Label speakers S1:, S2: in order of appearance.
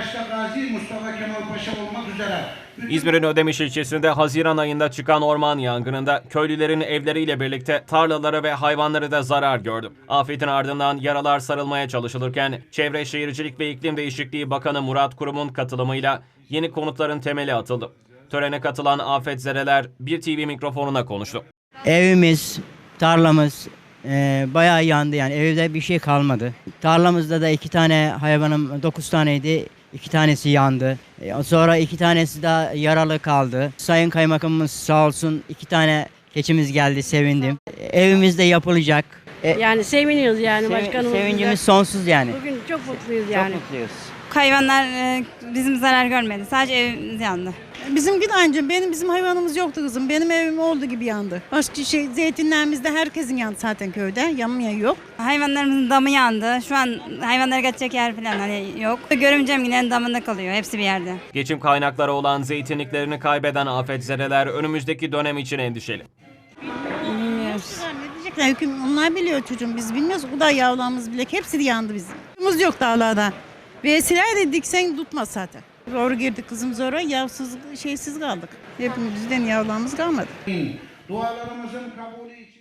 S1: başta Gazi Mustafa Kemal Paşa olmak üzere
S2: İzmir'in Ödemiş ilçesinde Haziran ayında çıkan orman yangınında köylülerin evleriyle birlikte tarlaları ve hayvanları da zarar gördü. Afetin ardından yaralar sarılmaya çalışılırken Çevre Şehircilik ve İklim Değişikliği Bakanı Murat Kurum'un katılımıyla yeni konutların temeli atıldı. Törene katılan afetzedeler bir TV mikrofonuna konuştu.
S3: Evimiz, tarlamız bayağı yandı, yani evde bir şey kalmadı. Tarlamızda da 2 tane hayvanım, 9 taneydi. 2 tanesi yandı. Sonra 2 tanesi daha yaralı kaldı. Sayın Kaymakamımız sağ olsun, 2 tane keçimiz geldi, sevindim. Evimiz de yapılacak.
S4: Yani seviniyoruz yani başkanımız.
S3: Sevincimiz sonsuz yani.
S4: Bugün çok mutluyuz yani.
S3: Çok mutluyuz.
S5: Hayvanlar bizim zarar görmedi. Sadece evimiz yandı.
S6: Bizimki de anca bizim hayvanımız yoktu kızım. Benim evim olduğu gibi yandı. Başka zeytinlerimizde herkesin yandı zaten köyde. Yanmayan yok.
S5: Hayvanlarımızın damı yandı. Şu an hayvanlara kaçacak yer falan hani yok. Görümcem yine damında kalıyor. Hepsi bir yerde.
S2: Geçim kaynakları olan zeytinliklerini kaybeden afetzedeler önümüzdeki dönem için endişeli.
S5: Bilmiyoruz.
S6: Ne diyecekler? Onlar biliyor çocuğum. Biz bilmiyoruz. O da yavrularımız bile. Hepsi de yandı bizim. Yavrularımız yok dağlarda. Vesile de diksen tutmaz zaten. Zor girdik kızım zora. Yavsız şeysiz kaldık. Hepimizden yavrularımız kalmadı.
S1: dualarımızın kabulü için